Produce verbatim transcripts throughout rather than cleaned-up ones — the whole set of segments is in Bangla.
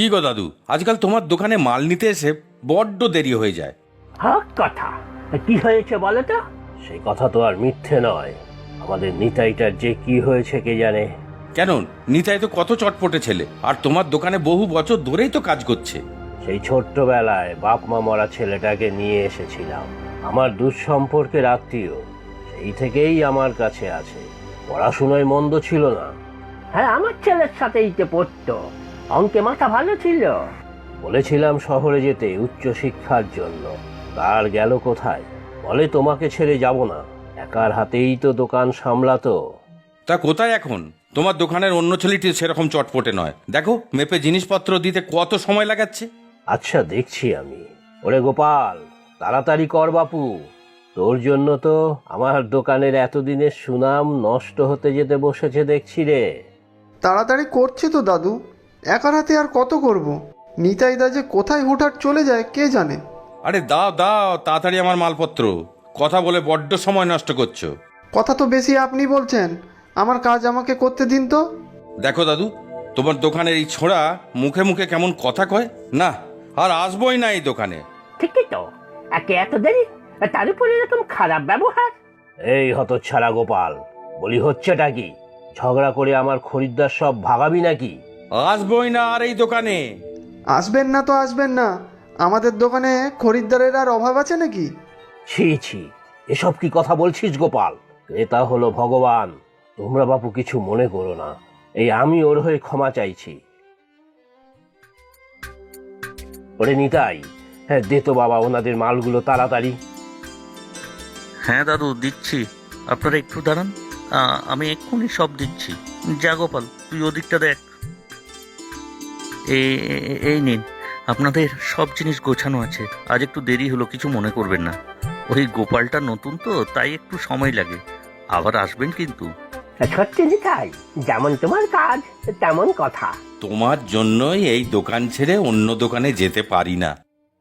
কি গো দাদু, আজকাল তোমার দোকানে মাল নিতে এসে বড্ড দেরি হয়ে যায়। হ্যাঁ কথা কি হয়েছে বলো তো? সেই কথা তো আর মিথ্যে নয়। আমাদের নিতাইটার যে কি হয়েছে কে জানে। কেন, নিতাই তো কত চটপটে ছেলে, আর তোমার দোকানে বহু বছর ধরেই তো কাজ করছে। সেই ছোট্টবেলায় বাপ মা মরা ছেলেটাকে নিয়ে এসেছিলাম, আমার দুঃসম্পর্কের আত্মীয়। সেই থেকেই আমার কাছে আছে। পড়াশোনায় মন্দ ছিল না। হ্যাঁ, আমার ছেলের সাথেই তো পড়তো, অঙ্কে মাথা ভালো ছিল। বলেছিলাম শহরে যেতে উচ্চ শিক্ষার জন্য, তার গেল কোথায়? বলে তোমাকে ছেড়ে যাব না, একার হাতেই তো দোকান সামলাতো। তা কোথায় এখন? তোমার দোকানের অন্য ছেলেটি সেরকম চটপটে নয়, দেখো মেপে জিনিসপত্র দিতে কত সময় লাগাচ্ছে। আচ্ছা দেখছি আমি। ওরে গোপাল, তাড়াতাড়ি কর বাপু, তোর জন্য তো আমার দোকানের এতদিনের সুনাম নষ্ট হতে যেতে বসেছে দেখছি রে। তাড়াতাড়ি করছে তো দাদু, একার হাতে আর কত করব। নিতাইদা যে কোথায় হুটহাট চলে যায় কে জানে। আরে দাও দাও তাড়াতাড়ি আমার মালপত্র, কথা বলে বড্ড সময় নষ্ট করছো। কথা তো বেশি আপনি বলছেন, আমার কাজ আমাকে করতে দিন তো। দেখো দাদু, তোমার দোকানের এই ছোঁড়া মুখে মুখে কেমন কথা কয় না, আর আসবোই না এই দোকানে। ঠিকই তো, একে এত দেরি, তার উপরে এরকম খারাপ ব্যবহার। এই হতচ্ছাড়া গোপাল, বলি হচ্ছেটা কি? ঝগড়া করে আমার খরিদ্দার সব ভাগাবি নাকি? আসবোই না আর এই দোকানে। আসবেন না তো আসবেন না, আমাদের দোকানে খরিদ্দারের আর অভাব আছে নাকি? ছি ছি, এসব কি কথা বলছিস গোপাল? ক্রেতা হলো ভগবান, তোমরা বাপু কিছু মনে করো না। এই আমি ওর হয়ে ক্ষমা চাইছি। ওরে নিতাই, হ্যাঁ দে তো বাবা ওনাদের মালগুলো তাড়াতাড়ি। হ্যাঁ দাদু দিচ্ছি, আপনারা একটু দাঁড়ান, আ- আমি এক্ষুনি সব দিচ্ছি। যা গোপাল, তুই ওদিকটা দেখ। এ- এ- এই নিন, আপনাদের সব জিনিস গোছানো আছে। আজ একটু দেরি হলো, কিছু মনে করবেন না। ওই গোপালটা নতুন তো, তাই একটু সময় লাগে। আবার আসবেন কিন্তু। সত্যি নিতাই, যেমন তোমার কাজ তেমন কথা। তোমার জন্যই এই দোকান ছেড়ে অন্য দোকানে যেতে পারি না।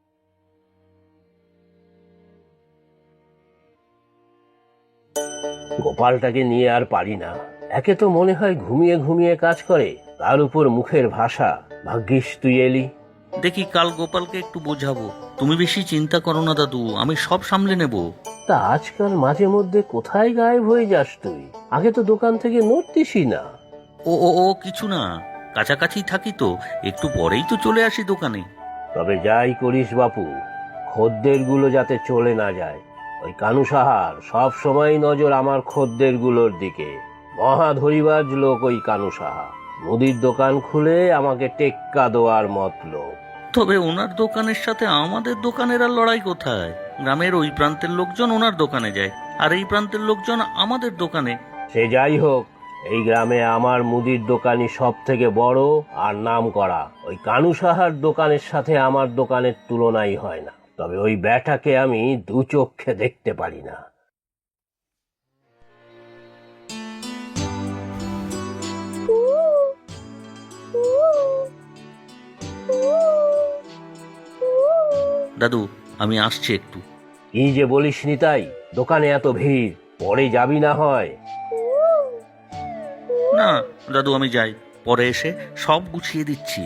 গোপালটাকে নিয়ে আর পারি না। একে তো মনে হয় ঘুমিয়ে ঘুমিয়ে কাজ করে, তার উপর মুখের ভাষা। ভাগ্যিস তুই এলি। দেখি কাল গোপালকে একটু বোঝাবো। তুমি বেশি চিন্তা করো না দাদু, আমি সব সামলে নেব। তা আজকাল মাঝে মধ্যে কোথায় গায়েব হয়ে যাস তুই? আগে তো দোকান থেকে নড়তিসই না। ও ও ও কিছু না, কাছাকাছি থাকি তো, একটু পরেই তো চলে আসি দোকানে। তবে যাই করিস বাপু, খদ্দের গুলো যাতে চলে না যায়। ওই কানু সাহার সব সময় নজর আমার খদ্দের গুলোর দিকে। মহা ধরিবাজ লোক ওই কানু সাহা। মুদির দোকান খুলে আমাকে টেক্কা দেওয়ার মতলব। তবে ওনার দোকানের সাথে আমাদের দোকানের আর লড়াই কোথায়? গ্রামের ওই প্রান্তের লোকজন ওনার দোকানে যায়, আর এই প্রান্তের লোকজন আমাদের দোকানে। সে যাই হোক, এই গ্রামে আমার মুদির দোকানই সব থেকে বড় আর নাম করা। ওই কানু সাহার দোকানের সাথে আমার দোকানের তুলনাই হয় না। তবে ওই ব্যাটাকে আমি দু চোখে দেখতে পারি না। দাদু আমি আসছি একটু। কি যে বলিস নিতাই, দোকানে এত ভিড়, পরে যাবি না হয়? না দাদু আমি যাই, পরে এসে সব গুছিয়ে দিচ্ছি।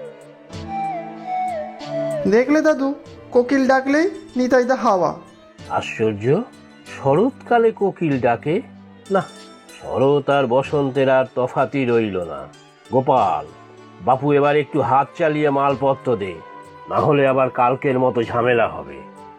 দেখলে দাদু, কোকিল ডাকলেই নিতাইদা হাওয়া। আশ্চর্য, শরৎকালে কোকিল ডাকে না। শরৎ আর বসন্তের আর তফাতি রইল না। গোপাল বাপু, এবার একটু হাত চালিয়ে মালপত্র দে, না হলে আবার কালকের মতো ঝামেলা হবে।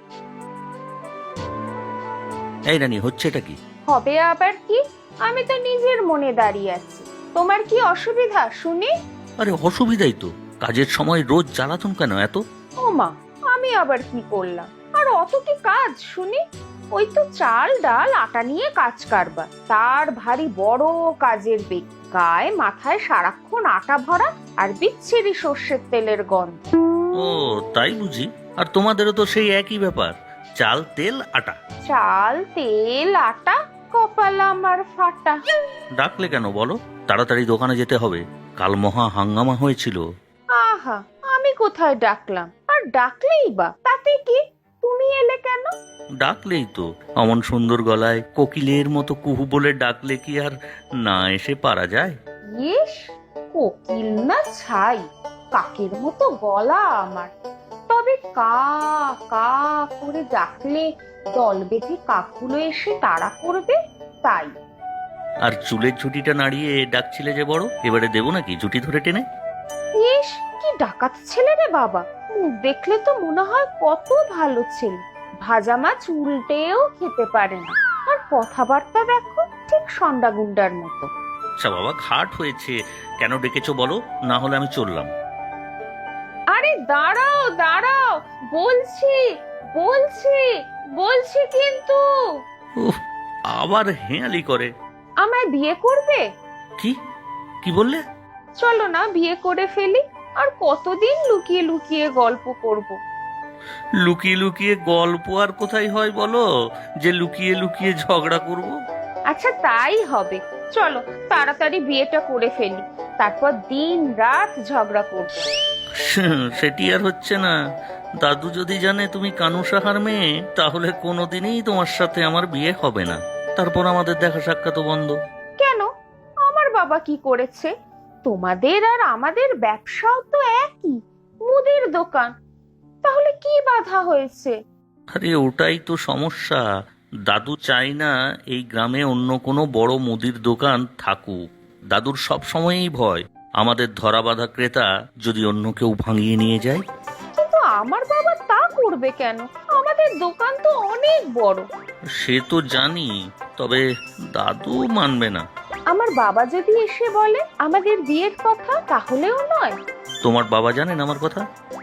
এই রানী, হচ্ছেটা কি? হবে আবার কি? আমি তো নিজের মনে দাঁড়িয়ে আছি, তোমার কি অসুবিধা শুনি? আরে অসুবিধাই তো, কাজের সময় রোজ জ্বালাতন কেন এত? ও মা, আমি আবার কি করলাম? আর অত কি কাজ শুনি? ওই তো চাল ডাল আটা নিয়ে কাজ কারবার, তার ভারী বড় কাজের বেগ। গায়ে মাথায় সারাক্ষণ আটা ভরা আর বিচ্ছিরি সর্ষের তেলের গন্ধ। ও তাই বুঝি? আর তোমাদেরও তো সেই একই ব্যাপার, চাল তেল আটা। চাল তেল আটা, কপাল আমার ফাটা। ডাকলে কেন বলো? তাড়াতাড়ি দোকানে যেতে হবে, কাল মহা হাঙ্গামা হয়েছিল। আহা, আমি কোথায় ডাকলাম? আর ডাকলেই বা তাতে কি? তুমি এলে কেন? ডাকলেই তো, অমন সুন্দর গলায় কোকিলের মতো কুহু বলে ডাকলে কি আর না এসে পারা যায়? ইস, কোকিল না ছাই, কাকের মতো গলা আমার, তবে কা কা করে ডাকলে দল বেঁধে কাকগুলো এসে তাড়া করবে, তাই। আর চুলের ঝুঁটিটা নাড়িয়ে ডাকছিলে যে বড়, এবারে দেবো নাকি ঝুঁটি ধরে টেনে? ইস, কি ডাকাত ছেলে রে বাবা, মুখ দেখলে তো মনে হয় কত ভালো ছেলে। ভাজা মাছ উল্টেও খেতে পারে না, আর কথাবার্তা দেখো ঠিক সন্ডা গুন্ডার মতো। আচ্ছা বাবা, ঘাট হয়েছে, কেন ডেকেছো বলো, না হলে আমি চললাম। আরে দাঁড়াও দাঁড়াও, বলছি বলছি বলছি কিন্তু। উফ, আবার হেঁয়ালি করে। আমায় বিয়ে করবে? কি কি বললে? চলো না বিয়ে করে ফেলি, আর কতদিন লুকিয়ে লুকিয়ে গল্প করব। লুকিয়ে লুকিয়ে গল্প আর কোথায় হয় বলো, যে লুকিয়ে লুকিয়ে ঝগড়া করব? আচ্ছা তাই হবে, চলো তাড়াতাড়ি বিয়েটা করে ফেলি, তারপর দিন রাত ঝগড়া করব। সেটি আর হচ্ছে না। দাদু যদি জানে তুমি কানু সাহার মেয়ে, তাহলে কোনোদিনই তোমার সাথে আমার বিয়ে হবে না। তারপর আমাদের দেখা সাক্ষাৎ বন্ধ। কেন? আমার বাবা কি করেছে? তোমাদের আর আমাদের ব্যবসাও তো একই, মুদির দোকান, তাহলে কি বাধা হয়েছে? আরে ওটাই তো সমস্যা। দাদু চাই না এই গ্রামে অন্য কোনো বড় মুদির দোকান থাকুক। দাদুর সব সময়ই ভয় আমাদের ধরা বাঁধা ক্রেতা যদি অন্য কেউ ভাঙিয়ে নিয়ে যায়। কিন্তু আমার বাবা তা করবে কেন? আমাদের দোকান তো অনেক বড়। সে তো জানি, তবে দাদু মানবে না। আমার বাবা যদি এসে বলে আমাদের বিয়ের কথা, তাহলেও নয়। তোমার বাবা জানেন আমার কথা?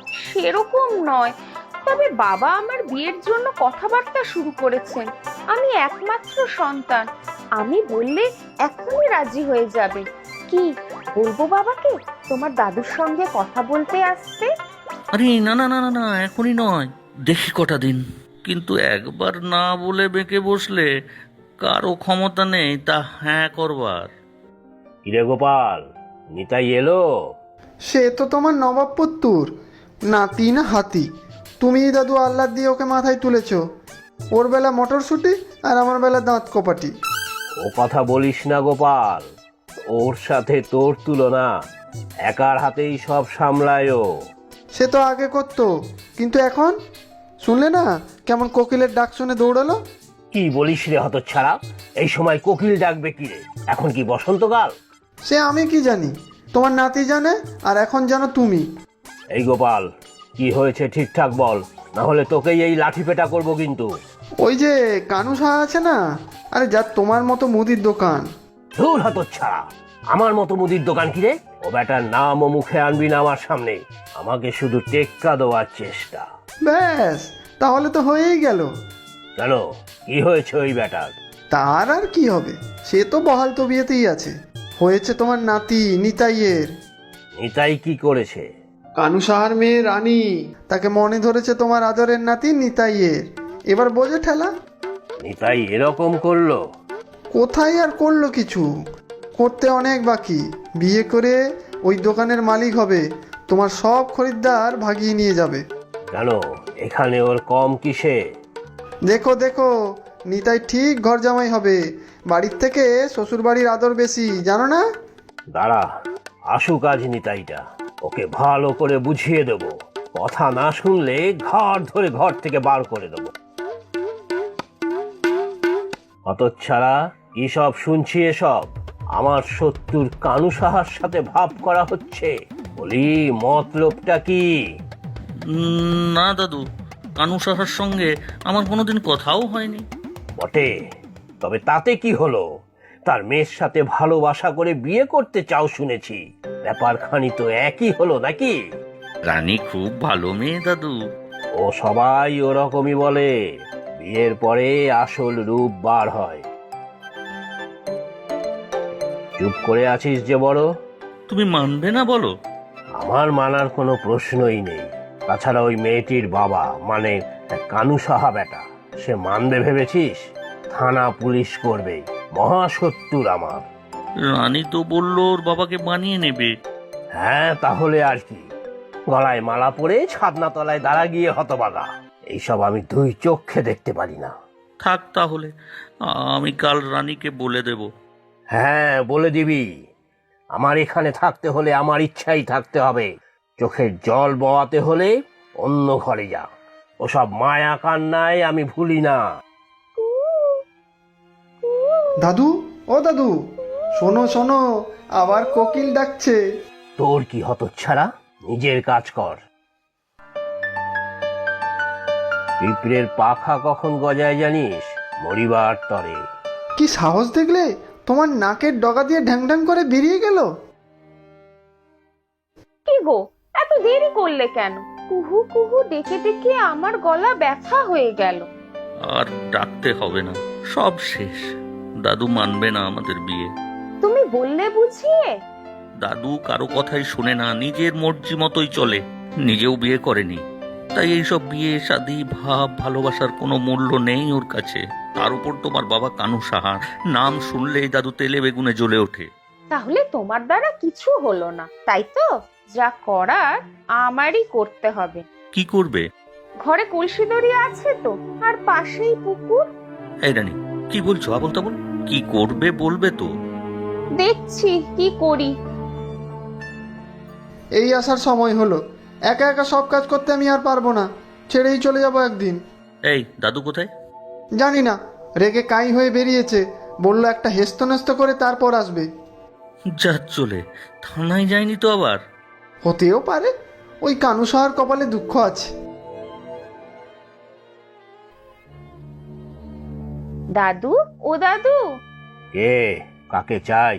সেরকম নয়, তবে বাবা আমার বিয়ের জন্য কথাবার্তা শুরু করেছেন। আমি একমাত্র সন্তান, আমি বললে এখনই রাজি হয়ে যাবে। কি বলবো বাবাকে তোমার দাদুর সঙ্গে কথা বলতে আসতে? আরে না না না না না, এখনই নয়, দেখি কটা দিন। কিন্তু একবার না বলে বেঁকে বসলে কারো ক্ষমতা নেই তা হ্যাঁ করবার। কিরে গোপাল, নিতাই এলো? সে তো তোমার নবাব পুত্তুর, নাতি না হাতি। তুমি দাদু আহ্লাদ দিয়ে ওকে মাথায় তুলেছ। ওর বেলা মটরশুঁটি আর আমার বেলা দাঁত কপাটি। ও কথা বলিস না গোপাল, ওর সাথে তোর তুলনা। একার হাতেই সব সামলায় ও। সে তো আগে করতো, কিন্তু এখন শুনলে না কেমন কোকিলের ডাক শুনে দৌড়ালো? কি বলিস রে হতচ্ছাড়া, এই সময় কোকিল ডাকবে কি রে? এখন কি বসন্তকাল? সে আমি কি জানি, তোমার নাতি জানে, আর এখন জানো তুমি। এই গোপাল, কি হয়েছে ঠিকঠাক বল, না হলে তোকেই এই লাঠি পেটা করবো কিন্তু। ওই যে কানু সাহা আছে না, আরে যার তোমার মতো মুদির দোকান। ধুর হতচ্ছাড়া, আমার মতো মুদির দোকান কি রে? ও বেটার নাম ও মুখে আনবি না আমার সামনে। আমাকে শুধু টেক্কা দেওয়ার চেষ্টা। ব্যাস, তাহলে তো হয়েই গেল। কেন, কি হয়েছে ওই বেটার? তার আর কি হবে, সে তো বহাল তবিয়েতেই আছে। হয়েছে তোমার নাতি নিতাইয়ের। নিতাই কি করেছে? কানু সাহার মেয়ে রানী, তাকে মনে ধরেছে তোমার আদরের নাতি নিতাইয়ের। এবার বোঝে ঠেলা। নিতাই এরকম করলো? কোথায় আর করলো কিছু, করতে অনেক বাকি। বিয়ে করে ওই দোকানের মালিক হবে, তোমার সব খরিদ্দার ভাগিয়ে নিয়ে যাবে। কেন, এখানে ওর কম কিসে? দেখো দেখো, নিতাই ঠিক ঘর জামাই হবে। বাড়ির থেকে শ্বশুর বাড়ির আদর বেশি, জানো না? দাঁড়া, আসুক আজ নিতাইটা, ওকে ভালো করে বুঝিয়ে দেবো। কথা না শুনলে ঘর ধরে ঘর থেকে বার করে দেবো। হতচ্ছাড়া, কি সব শুনছি এসব? আমার শত্রুর কানু সাহার সাথে ভাব করা হচ্ছে। বলি, মতলবটা কি? উম, না দাদু, কানু সাহার সঙ্গে আমার কোনোদিন কথাও হয়নি। বটে, তবে তাতে কি হলো? তার মেয়ের সাথে ভালোবাসা করে বিয়ে করতে চাও শুনেছি। ব্যাপারখানি তো একই হলো নাকি? রানী খুব ভালো মেয়ে দাদু। ও সবাই ওরকমই বলে, বিয়ের পরে আসল রূপ বার হয়। চুপ করে আছিস যে বড়? তুমি মানবে না বলো? আমার মানার কোনো প্রশ্নই নেই। তাছাড়া ওই মেয়েটির বাবা, মানে কানু সাহা বেটা, সে মানবে ভেবেছিস? থানা পুলিশ করবে, মহাশত্রুর আমার। রানী তো বললো ওর বাবাকে বানিয়ে নেবে। হ্যাঁ, তাহলে আর কি? গলায় মালা পরে ছাদনা তলায় দাঁড়া গিয়ে হতবাগা। এইসব আমি দুই চোখে দেখতে পারি না। থাক তাহলে, আমি কাল রানীকে বলে দেব। হ্যাঁ, বলে দিবি। আমার এখানে থাকতে হলে আমার ইচ্ছাই থাকতে হবে। চোখের জল বওয়াতে হলে অন্য ঘরে যা। ওসব মায়া কান্নায় আমি ভুলি না। দাদু, ও দাদু, শোনো শোনো, আবার কোকিল ডাকছে। তোর কি হতচ্ছাড়া, নিজের কাজ কর। পিঁপড়ের পাখা কখন গজায় জানিস? মরিবার তরে। কি সাহস দেখলে, তোমার নাকের ডগা দিয়ে ঢ্যাং ঢ্যাং করে বেরিয়ে গেল। কি গো, এত দেরি করলে কেন? কুহু কুহু ডেকে ডেকে আমার গলা ব্যথা হয়ে গেল। আর ডাকতে হবে না, সব শেষ। দাদু মানবে না আমাদের বিয়ে। তুমি বললে বুঝিয়ে? দাদু কারো কথাই শোনে না, নিজের মর্জি মতোই চলে। নিজেও বিয়ে করেনি, তাই এইসব বিয়ে শাদী ভাব ভালোবাসার কোনো মূল্য নেই ওর কাছে। তার উপর তোমার বাবা কানু সাহা, নাম শুনলেই দাদু তেলে বেগুনে জ্বলে ওঠে। তাহলে তোমার দ্বারা কিছু হলো না, তাই তো? যা করার আমারই করতে হবে। কি করবে? ঘরে কলসি দড়ি আছে তো, আর পাশেই পুকুর। এই রানী, কি বলছো আবল তাবল? কি করবে বলবে তো? দেখছি কি করি। এই আসার সময় হলো, একা একা সব কাজ করতে আমি আর পারবো না, ছেড়েই চলে যাব একদিন। এই দাদু কোথায়? জানি না, রেগে কাই হয়ে বেরিয়েছে, বললো একটা হেস্ত নেস্ত করে তারপর আসবে। যা চলে, থানায় যায়নি তো আবার? হতেও পারে, ওই কানু সাহার কপালে দুঃখ আছে। দাদু, ও দাদু। কে, কাকে চাই?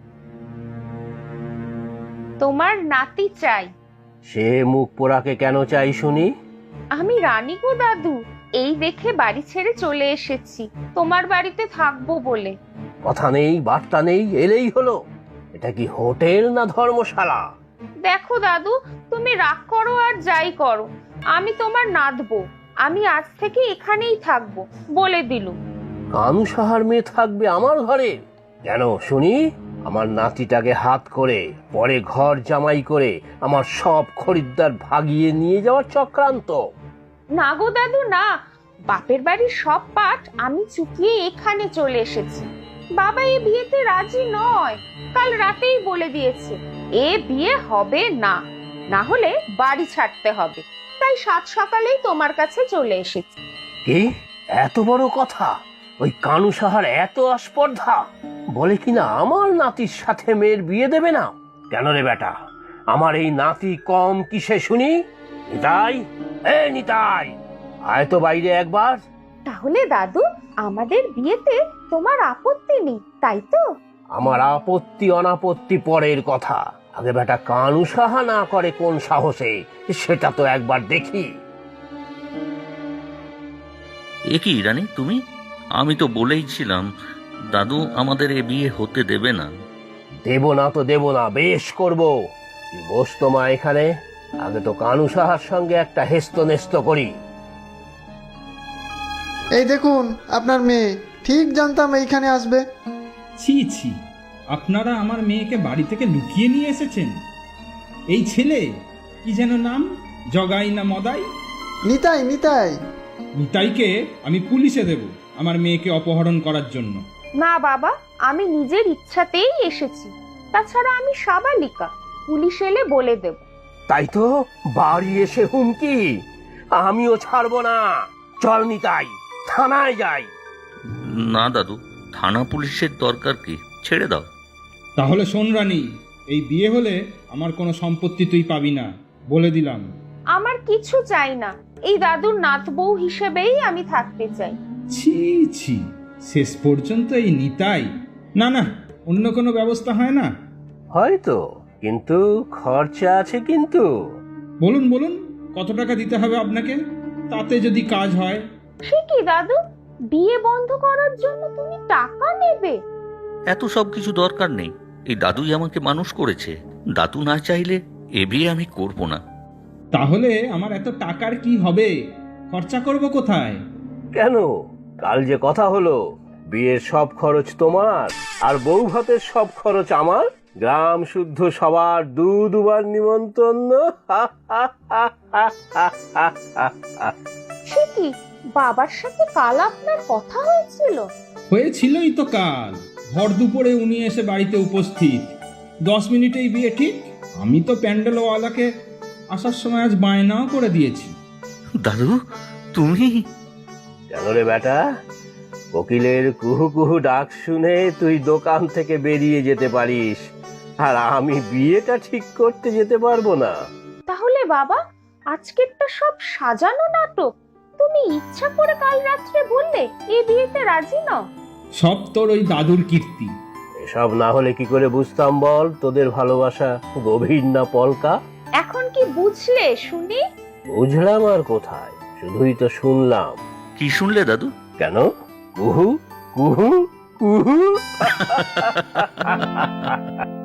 তোমার নাতি চাই। সে মুখ পোড়াকে কেন চাই শুনি? আমি রানী গো দাদু, এই দেখে বাড়ি ছেড়ে চলে এসেছি তোমার বাড়িতে থাকবো বলে। কথা নেই বার্তা নেই, এলেই হলো। এটা কি হোটেল না ধর্মশালা? দেখো দাদু, তুমি রাগ করো আর যাই করো, আমি তোমার নাতবো। আমি আজ থেকে এখানেই থাকবো বলে দিলুম। কানু সাহার মেয়ে থাকবে আমার ঘরে? কেন শুনি? আমার নাতিটাকে হাত করে পরে ঘর জামাই করে আমার সব খরিদ্দার ভাগিয়ে নিয়ে যাওয়ার চক্রান্ত? না গো দাদু না, বাপের বাড়ির সব পাঠ আমি চুকিয়ে এখানে চলে এসেছি। বাবা এ বিয়েতে রাজি নয়, কাল রাতেই বলে দিয়েছে এ বিয়ে হবে না, না হলে বাড়ি ছাড়তে হবে। তাই সাত সকালেই তোমার কাছে চলে এসেছি। কি এত বড় কথা? ওই কানু সাহার এত আস্পর্ধা, বলে কিনা আমার নাতির সাথে মেয়ের বিয়ে দেবে না। কেন রে বেটা, আমার এই নাতি কম কিসে শুনি? নিতাই, এ নিতাই, আয় তো বাইরে একবার। তাহলে দাদু, আমাদের বিয়েতে তোমার আপত্তি নেই, তাই তো? আমার আপত্তি অনাপত্তি পরের কথা, আগে বেটা কানু সাহা না করে কোন সাহসে, সেটা তো একবার দেখি। এ কি রানী তুমি? আমি তো বলেইছিলাম দাদু আমাদের এ বিয়ে হতে দেবে না। দেব না তো দেব না, বেশ করবো। তুই বস তো মা এখানে, আগে তো কানু সাহার সঙ্গে একটা হেস্ত নেস্ত করি। এই দেখুন আপনার মেয়ে, ঠিক জানতাম এইখানে আসবে। ছি ছি, আপনারা আমার মেয়েকে বাড়ি থেকে লুকিয়ে নিয়ে এসেছেন। এই ছেলে কি যেন নাম, জগাই না মদাই? নিতাই নিতাই। নিতাইকে আমি পুলিশে দেব আমার মেয়েকে অপহরণ করার জন্য। না বাবা, আমি নিজের ইচ্ছাতেই এসেছি, তাছাড়া আমি সাবালিকা, পুলিশ এলে বলে দেব। তাই তো, বাড়ি এসে হুমকি? আমিও ছাড়বো না। চল নিতাই, থানায় যাই। না দাদু, থানা পুলিশের দরকার কি, ছেড়ে দাও। তাহলে শোন রানী, এই বিয়ে হলে আমার কোনো সম্পত্তি তুই পাবি না, বলে দিলাম। আমার কিছু চাই না, এই দাদুর নাত বউ হিসেবেই আমি থাকতে চাই। ছি ছি, শেষ পর্যন্ত এই নিতাই? না না, অন্য কোনো ব্যবস্থা হয় না? হয়তো, কিন্তু খরচা আছে কিন্তু। বলুন বলুন, কত টাকা দিতে হবে আপনাকে, তাতে যদি কাজ হয়? সে কি দাদু, বিয়ে বন্ধ করার জন্য তুমি টাকা নেবে? এত সব কিছু দরকার নেই, এই দাদুই আমাকে মানুষ করেছে। দাদু না চাইলে এ বিয়ে আমি করব না। তাহলে আমার এত টাকার কি হবে, খরচা করব কোথায়? কেন, কাল যে কথা হলো, বিয়ের সব খরচ তোমার আর বউ ভাতের সব খরচ আমার। গ্রাম শুদ্ধ সবার দু দুবার নিমন্ত্রণ। সে কি, বাবার সাথে কাল আপনার কথা হয়েছিল? হয়েছিলই তো কাল ভর দুপুরে উনি এসে বাড়িতে উপস্থিত। দশ মিনিটেই বিয়ে ঠিক। আমি তো প্যান্ডেলওয়ালাকে আসার সময় আজ বায়নাও করে দিয়েছি। দাদু তুমি? কেন রে বেটা, কোকিলের কুহু কুহু ডাক শুনে তুই দোকান থেকে বেরিয়ে যেতে পারিস, আর আমি বিয়েটা ঠিক করতে যেতে পারবো না? তাহলে বাবা, আজকেরটা সব সাজানো নাটক? তুমি ইচ্ছা করে কাল রাত্রে বললে এই বিয়েতে রাজি নও? সব তোর ওই দাদুর কীর্তি। এসব না হলে কি করে বুঝতাম বল তোদের ভালোবাসা গভীর না পলকা? এখন কি বুঝলে শুনি? বুঝলাম আর কোথায়, শুধুই তো শুনলাম। কি শুনলে দাদু? কেন? কুহু কুহু কুহু